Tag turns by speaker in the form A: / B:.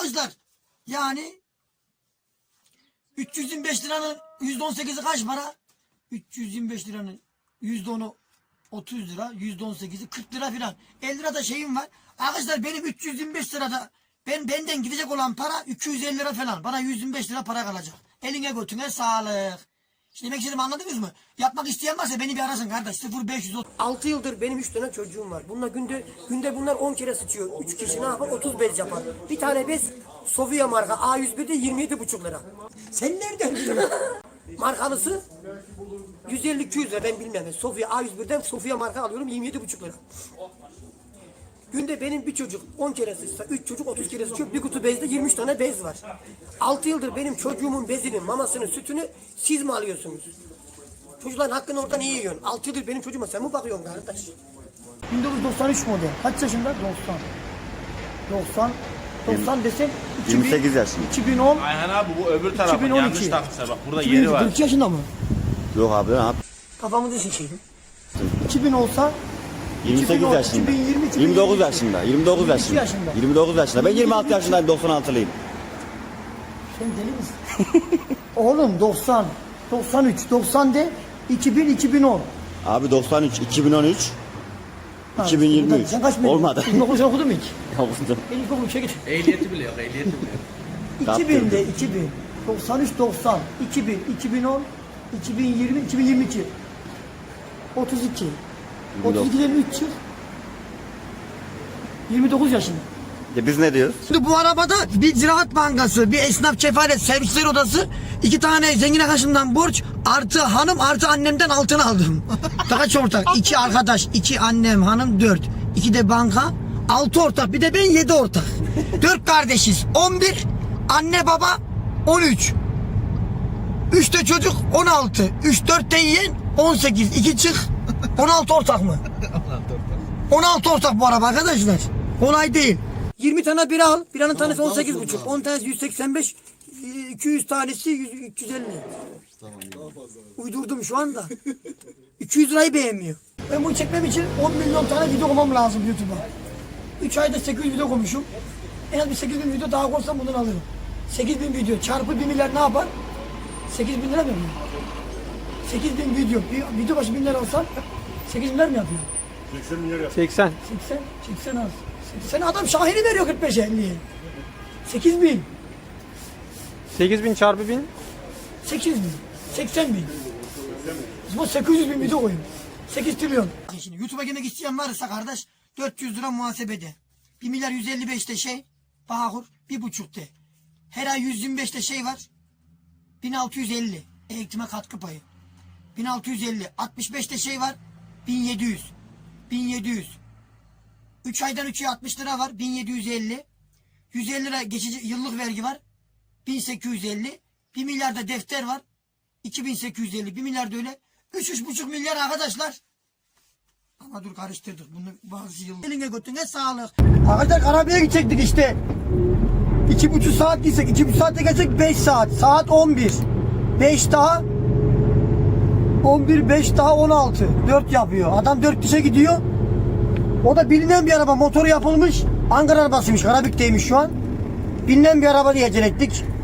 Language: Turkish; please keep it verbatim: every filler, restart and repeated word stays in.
A: Arkadaşlar yani üç yüz yirmi beş liranın yüzde on sekizi kaç para? üç yüz yirmi beş liranın yüzde onu otuz lira, yüzde on sekizi kırk lira filan. elli lira da şeyim var. Arkadaşlar benim üç yüz yirmi beş lirada ben benden gidecek olan para iki yüz elli lira falan. Bana yüz yirmi beş lira para kalacak. Eline götüne sağlık. Şimdi demek istediğimi anladınız mı? Yapmak isteyen varsa beni bir arasın kardeş. sıfır beş yüz otuz.
B: altı yıldır benim üç tane çocuğum var. Bunlar günde günde bunlar on kere sıçıyor. üç kişi ne yapar? otuz bez yapar. Bir tane bez Sofia marka A yüz bir'de yirmi yedi buçuk lira.
A: Sen nereden biliyorsun?
B: Markalısı yüz elli iki yüz lira, ben bilmem. Sofia A yüz bir'den Sofia marka alıyorum yirmi yedi buçuk lira. Günde benim bir çocuk on kere sıçsa, üç çocuk otuz kere sıçıyor. Bir kutu bezde yirmi üç tane bez var. altı yıldır benim çocuğumun bezini, mamasını, sütünü siz mi alıyorsunuz? Çocukların hakkını oradan iyi yiyorsun. altı yıldır benim çocuğuma sen mi bakıyorsun kardeş?
A: bin dokuz yüz doksan üç model. Kaç yaşında? doksan. doksan. doksan desek
C: yirmi sekiz yaşında.
A: iki bin on.
D: Ayhan abi bu öbür tarafın
A: iki bin on iki.
D: yanlış takmışlar bak burada
A: iki bin
D: yeri var.
A: kırk iki yaşında mı?
C: Yok abi lan abi.
A: Kafamızı sikeyim. iki bin olsa
C: yirmi sekiz
A: iki bin on,
C: yaşında.
A: iki bin yirmi, iki bin
C: yirmi dokuz
A: yirmi iki.
C: yaşında. yirmi dokuz
A: yirmi iki
C: yaşında.
A: yaşında.
C: yirmi dokuz yaşında. Ben yirmi altı yaşındayım, doksan altılıyım.
A: Sen deli misin? Oğlum doksan, doksan üç, doksan de iki bin, iki bin on.
C: Abi doksan üç, iki bin on üç,
A: Ha,
C: iki bin yirmi üç.
A: Sen kaç mı?
C: Olmadı.
A: İlkokul okudun mu hiç?
C: Yapıldı.
A: İlkokul üçe git.
D: Ehliyeti bile yok ehliyeti bile yok.
A: iki bin'de iki bin. doksan üç, doksan. iki bin, iki bin on, iki bin yirmi, iki bin yirmi iki. otuz iki. otuz iki'den üç çık. yirmi dokuz yaşında.
C: Ya biz ne diyoruz?
A: Şimdi bu arabada bir Ziraat Bankası, bir esnaf kefalet servisler odası, iki tane zengin arkadaşımdan borç, artı hanım artı annemden altın aldım. Kaç ortak? İki arkadaş, iki annem, hanım dört. İki de banka, altı ortak. Bir de ben yedi ortak. Dört kardeşiz. On bir, anne baba on üç. Üç de çocuk on altı. Üç dört de yiyen on sekiz. İki çık. on altı ortak mı? on altı ortak bu araba arkadaşlar. Kolay değil. yirmi tane bira al. Biranın tanesi on sekiz buçuk. on tanesi yüz seksen beş. iki yüz tanesi yüz, üç yüz elli. Uydurdum şu anda. iki yüz lirayı beğenmiyor. Ben bunu çekmem için on milyon tane video koymam lazım YouTube'a. üç ayda sekiz yüz video koymuşum. En az bir sekiz bin video daha koysam bundan alırım. sekiz bin video çarpı bir milyar ne yapar? sekiz bin lira mı yapıyor? sekiz bin video. Bir video başı bin lira alsam sekiz milyar mı yapıyor?
E: seksen.
A: seksen. seksen az. seksen adam Şahin'i veriyor kırk beş elliye. sekiz bin.
E: sekiz bin çarpı bin.
A: sekiz bin. seksen bin. Bu sekiz yüz bin video koyun. sekiz trilyon. Şimdi YouTube'a girmek isteyen varsa kardeş dört yüz lira muhasebede. bir milyar yüz elli beşte şey. Bağkur bir buçukta. Her ay yüz yirmi beşte şey var. bin altı yüz elli. Eğitime katkı payı. bin altı yüz elli. altmış beşte şey var. bin yedi yüz. bin yedi yüz. üç aydan üçe altmış lira var. bin yedi yüz elli. yüz elli lira geçici yıllık vergi var. bin sekiz yüz elli. bir milyar da defter var. iki bin sekiz yüz elli. bir milyar da öyle. üç üç buçuk milyar arkadaşlar. Ama dur karıştırdık. Bunu bazı yıl. Eline götüne sağlık. Arkadaşlar arabaya gidecektik işte. iki buçuk saat gitsek. iki buçuk saatte gelsek beş saat. Saat on bir. beş daha on bir, beş daha on altı. dört yapıyor. Adam dört kişi gidiyor. O da bilinen bir araba. Motoru yapılmış. Ankara arabasıymış. Karabük'teymiş şu an. Bilinen bir araba diye ettik.